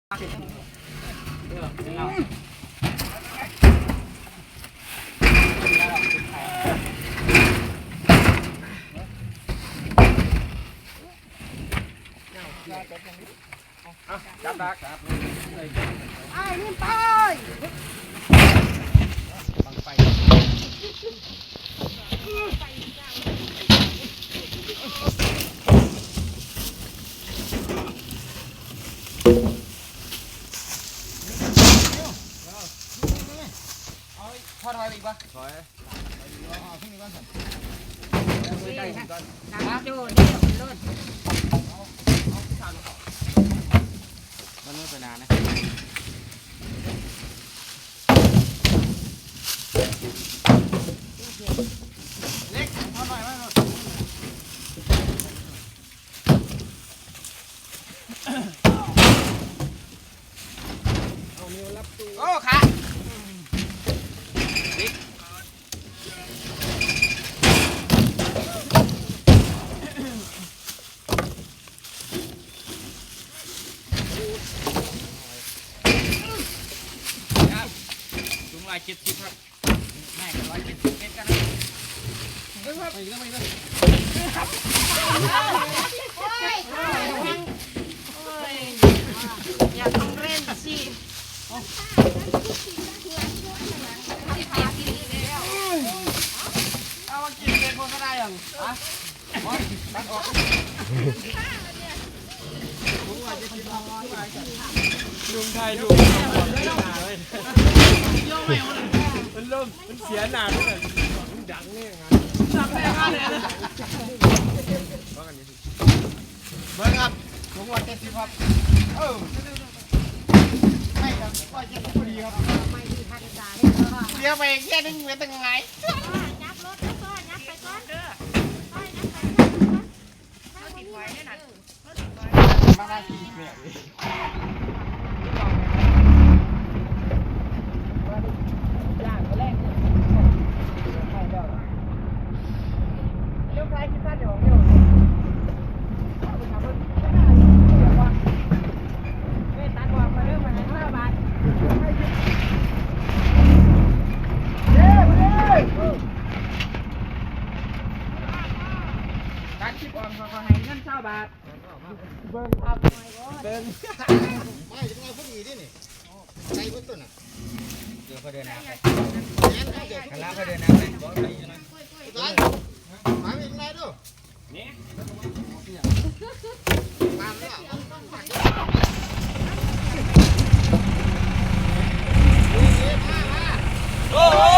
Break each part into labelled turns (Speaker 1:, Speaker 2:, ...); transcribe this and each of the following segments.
Speaker 1: จับดัก
Speaker 2: ไอ้นี่ไป
Speaker 1: บังไฟพอถอยไปอีกปะถอยเอาขึ้นนี่ก่อนสิได้ก่อน
Speaker 2: น้ำโจ้นี่รถ
Speaker 1: มันไม่เป็นนานนะเล็กพอหน่อยไหมเอานิ้วรับตู้โอ้ขา170ครับแม่ก็170เมตรกันนะไปอีกแล้ว
Speaker 2: อย่าต้องเล่นสิ
Speaker 1: เอามากินเป็นคนก็ได้ยังอ่ะตัดออกลุงไทยลุงมันเริ่มมันเสียหนาเลยมันดังเนี่ยงานดังแน่มากเลยนะว่ากันนี้เบิ้งครับลุงวัน70ครับไม่ครับก็จะพอดีครับ
Speaker 2: ไม่มีทันใจ
Speaker 1: เลี้ยวไปแค่นึงเหมือนตั้งไง
Speaker 2: ยับรถก็ยับไปก่อนเด้อเขาติดไว้เนี่ยนะ
Speaker 1: มาได้กี่เนี่ยย่างก็แรกเนี่ยใช่เด้อเลี้ยวซ้ายคิดสั้นเดี๋ยวเลี้ยวการคิดออมเขาให้เงิน20 บาทเบิ้งครับเบิ้งไม่จะเอาพอดีดินี่ใส่พุ่นต้นอ่ะเดี๋ยวเขาเดินน้ำไปข้างล่างเขาเดินน้ำไปบอกไปยังไงมาเป็นไงดูนี่ตามเนี่ยโอ้โห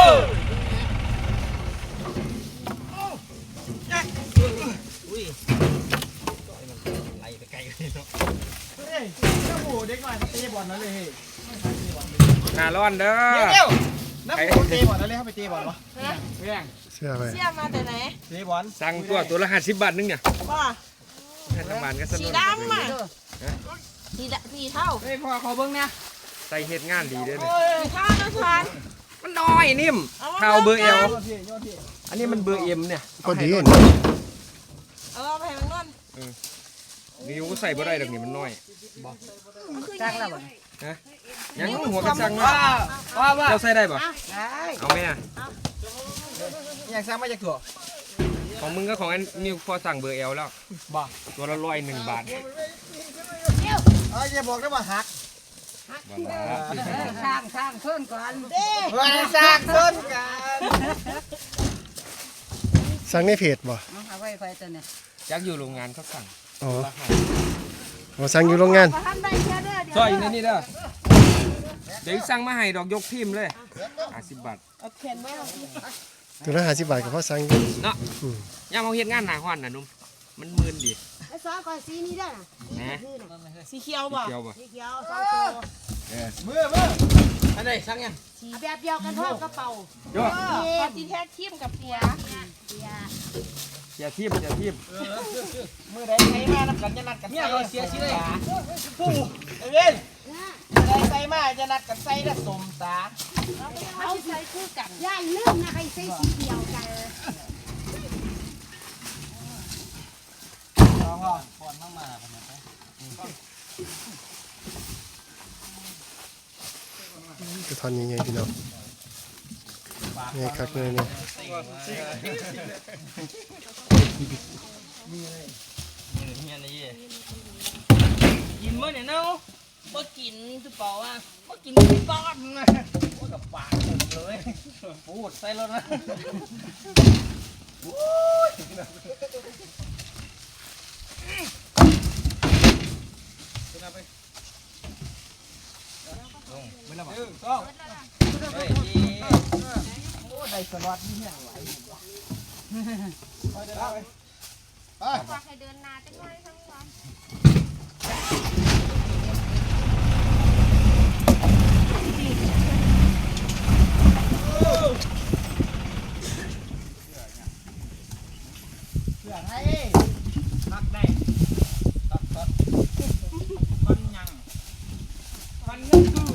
Speaker 1: อุ้ยไล่ไปไกลเลยเนาะเฮ้ยเจ้าหมูเด็กหน่อยเตะบอลนั่นเลยหน้าร้อนเด้อเดี๋ยวน้ำหมูเตะบอลนั่นเลยเขาไปเตะบอลวะเรื่อง
Speaker 3: เสื้อไป
Speaker 2: เสียมาแต่ไหน
Speaker 1: เตะบอล
Speaker 3: สั่งตัวละ50 บาทนึงเนี่ย
Speaker 2: ว่า
Speaker 3: น้ำมันก็สนุก
Speaker 2: สีดำอ่ะสีเท่า
Speaker 1: เฮ้ยพ่อขอเบิ้งเนี่ย
Speaker 3: ใส่เฮ็ดงานดีเด้อ
Speaker 2: สีเท่านะชาน
Speaker 3: มันน้อยนิ่มเท่าเบอร์ L อันนี้มันเบอร์ M เนี่ย
Speaker 2: เ
Speaker 3: ก็
Speaker 2: อาไปให้มันนวล
Speaker 3: นิ้วก็ใส่บ่ได้ดอกนี่มันน้อย
Speaker 2: จักแล้วบ่
Speaker 3: ฮะยังหัวกระสังว่าเราใส่ได้ป่ะ
Speaker 2: ได้
Speaker 3: เอาไหมอ่ะ
Speaker 1: อยากสั่งมาจากถั่ว
Speaker 3: ของมึงก็ของอันนิวพอสั่งเบอร์ L แล้ว
Speaker 1: บ่
Speaker 3: ตัวละ101 บาท
Speaker 1: อย่าบอกได้ว่าหัก
Speaker 2: สร้างเพิ่มก่อน
Speaker 1: สร้างเพิ่มกัน
Speaker 3: สั่งในเพจบ่
Speaker 2: เอาไว้ตัวเนี่ย
Speaker 3: ยักอยู่โรงงานเขาสั่งอ๋อสั่งอยู่โรงงานซอยในนี่เด้อเดี๋ยวสั่งมาให้ดอกยกพิมพ์เลย50 บาท
Speaker 2: เอาเขียนไว้เอา
Speaker 3: ตัวละ50 บาทก็พอสั่งเนาะย่ามเอาเฮ็ดงานหน้าฮ้อนน่ะนุ่มมันมึนดิ
Speaker 2: ไอ้ซอก่อนสีนี้ได้น่ะสีเขียวบ่สีเขียว2ตัว
Speaker 1: มืออันไหนสั่งยัง
Speaker 2: แบบเดียวกันทอดกระเป๋าสีแท้ทิมกับเปีย
Speaker 3: อย่าทีบ
Speaker 1: มือไหนใส่มานัดกันจะนัดกันเนี่ยเราเสียชีเลยผู้เอเวนมือไหนใส่มาจะนัดกันใส่ละสมสา
Speaker 2: เอาใส่คู่กันย่าลืมนะใครใส่สีเดียวกัน
Speaker 1: พ่อก่อนมา
Speaker 4: จะทอนยังไงพี่น้องไงคักเลยเนี่ย
Speaker 3: กินเมื่อเนี่ยเนาะ
Speaker 2: บ่กินคือเปล่าว่าบ่กินป้อนนะ
Speaker 3: พูดกับปากผมเลยพูดใส่รถนะไม่ละมั้งก็เฮ้ยโอ้ได้สล็อตนี่เนี่ยไหว
Speaker 1: ไป
Speaker 2: ฝากให้เดินนาจังไว้ทั้งวัน
Speaker 3: พักได้พันยังคือ